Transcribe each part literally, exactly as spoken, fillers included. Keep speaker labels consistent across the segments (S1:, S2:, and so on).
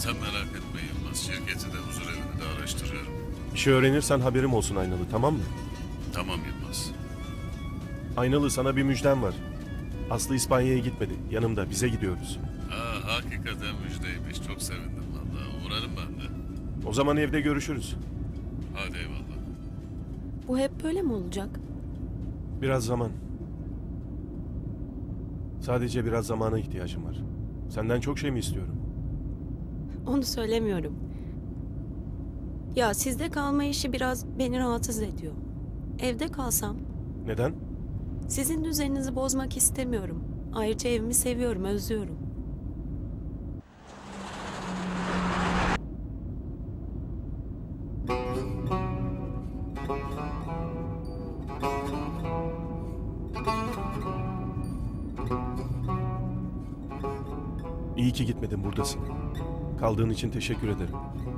S1: Sen merak etme Yılmaz. Şirketi de huzur evini de araştırıyorum.
S2: Bir şey öğrenirsen haberim olsun Aynalı, tamam mı?
S1: Tamam Yılmaz.
S2: Aynalı, sana bir müjdem var. Aslı İspanya'ya gitmedi. Yanımda, bize gidiyoruz.
S1: Ha, hakikaten müjdeymiş. Çok sevindim vallahi. Uğrarım ben de.
S2: O zaman evde görüşürüz.
S1: Hadi eyvallah.
S3: Bu hep böyle mi olacak?
S2: Biraz zaman. Sadece biraz zamana ihtiyacım var. Senden çok şey mi istiyorum?
S3: Onu söylemiyorum. Ya sizde kalma işi biraz beni rahatsız ediyor. Evde kalsam
S2: Neden?
S3: sizin düzeninizi bozmak istemiyorum. Ayrıca evimi seviyorum, özlüyorum.
S2: İyi ki gitmedin, buradasın. Kaldığın için teşekkür ederim.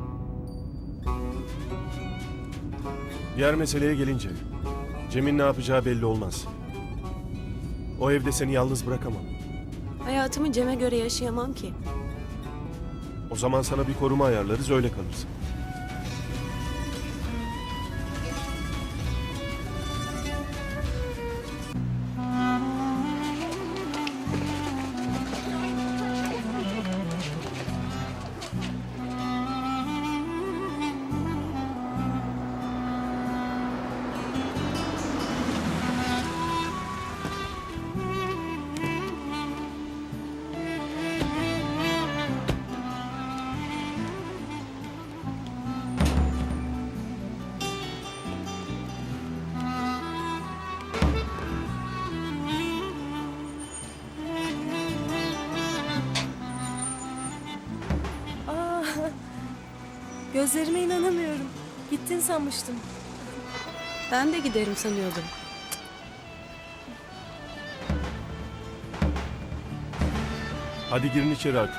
S2: Diğer meseleye gelince, Cem'in ne yapacağı belli olmaz. O evde seni yalnız bırakamam.
S3: Hayatımı Cem'e göre yaşayamam ki.
S2: O zaman sana bir koruma ayarlarız, öyle kalırsın.
S4: Aa, gözlerime inanamıyorum. Gittin sanmıştım.
S3: Ben de giderim sanıyordum.
S2: Hadi girin içeri artık.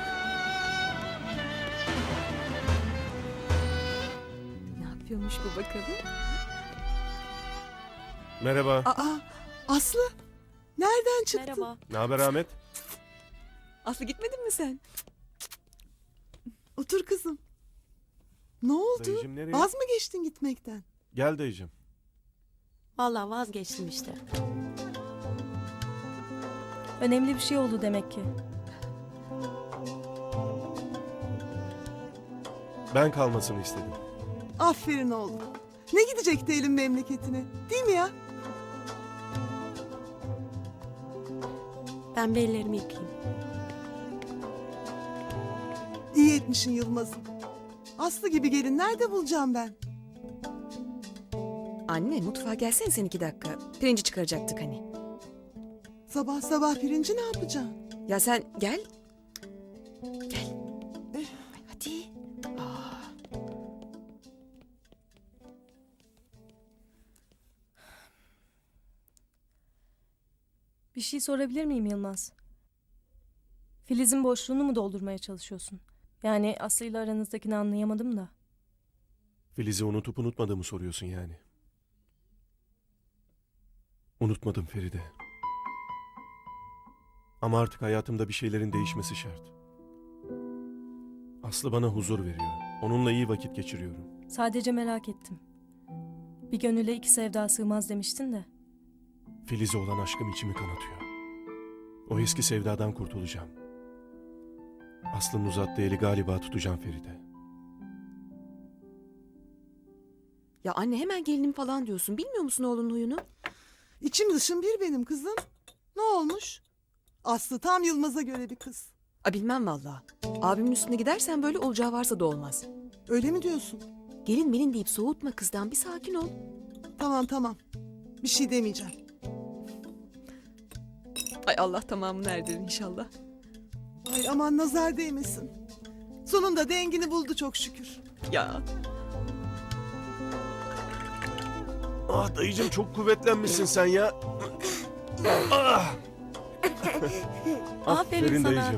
S5: Ne yapıyormuş bu bakalım?
S2: Merhaba.
S6: Aa, Aslı, nereden çıktın?
S3: Merhaba.
S2: Ne haber Ahmet?
S5: Aslı gitmedin mi sen?
S6: Otur kızım. Ne oldu?
S2: Dayıcım nereye?
S6: Vaz mı geçtin gitmekten?
S2: Gel dayıcım.
S3: Vallahi vazgeçtim işte.
S4: Önemli bir şey oldu demek ki.
S2: Ben kalmasını istedim.
S6: Aferin oğlum. Ne gidecekti elin memleketine? Değil mi ya?
S3: Ben bir ellerimi yıkayayım.
S6: İyi etmişsin Yılmaz'ım. Aslı gibi gelin nerede bulacağım ben?
S5: Anne mutfağa gelsene sen iki dakika. Pirinci çıkaracaktık hani.
S6: Sabah sabah pirinci ne yapacaksın?
S5: Ya sen gel. Gel. Ay, hadi. Aa.
S4: Bir şey sorabilir miyim Yılmaz? Filiz'in boşluğunu mu doldurmaya çalışıyorsun? Yani Aslı ile aranızdakini anlayamadım da.
S2: Filiz'i unutup unutmadığımı soruyorsun yani. Unutmadım Feride. Ama artık hayatımda bir şeylerin değişmesi şart. Aslı bana huzur veriyor. Onunla iyi vakit geçiriyorum.
S4: Sadece merak ettim. Bir gönüle iki sevda sığmaz demiştin de.
S2: Filiz'e olan aşkım içimi kanatıyor. O eski sevdadan kurtulacağım. Aslı'nın uzattığı eli galiba tutacağım Feride.
S5: Ya anne hemen gelinim falan diyorsun. Bilmiyor musun oğlunun huyunu?
S6: İçim dışım bir benim kızım. Ne olmuş? Aslı tam Yılmaz'a göre bir kız.
S5: A bilmem valla. Abimin üstüne gidersen böyle olacağı varsa da olmaz.
S6: Öyle mi diyorsun?
S5: Gelin melin deyip soğutma kızdan, bir sakin ol.
S6: Tamam tamam. Bir şey demeyeceğim.
S5: Ay Allah tamamını erdirir inşallah.
S6: Ay aman nazar değmesin. Sonunda dengini buldu çok şükür.
S5: Ya.
S2: Ah dayıcım, çok kuvvetlenmişsin sen ya. Ah!
S3: Aferin sana.
S2: dayıcım.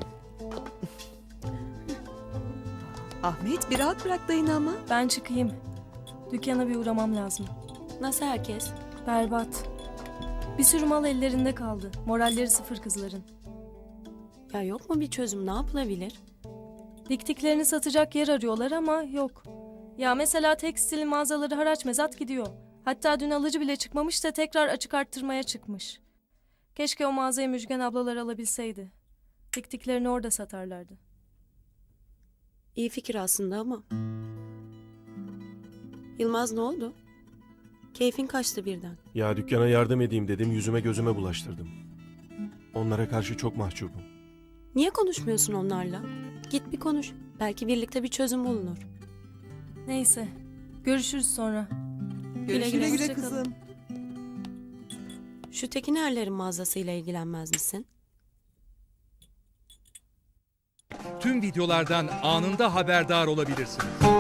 S5: Ahmet bir rahat bırak dayını ama.
S4: Ben çıkayım. Dükkana bir uğramam lazım.
S3: Nasıl herkes?
S4: Berbat. Bir sürü mal ellerinde kaldı. Moralleri sıfır kızların.
S3: Ya yok mu bir çözüm, ne yapılabilir?
S4: Diktiklerini satacak yer arıyorlar ama yok. Ya mesela tekstil mağazaları haraç mezat gidiyor. Hatta dün alıcı bile çıkmamış da tekrar açık arttırmaya çıkmış. Keşke o mağazayı Müjgan ablalar alabilseydi. Diktiklerini orada satarlardı.
S3: İyi fikir aslında ama. Yılmaz ne oldu? Keyfin kaçtı birden.
S2: Ya dükkana yardım edeyim dedim, yüzüme gözüme bulaştırdım. Onlara karşı çok mahcubum.
S3: Niye konuşmuyorsun onlarla? Git bir konuş. Belki birlikte bir çözüm bulunur.
S4: Neyse. Görüşürüz sonra.
S3: Güle
S6: Güle güle
S3: Hoşça kalın.
S6: kızım.
S3: Şu Tekinerlerin mağazasıyla ilgilenmez misin?
S7: Tüm videolardan anında haberdar olabilirsiniz.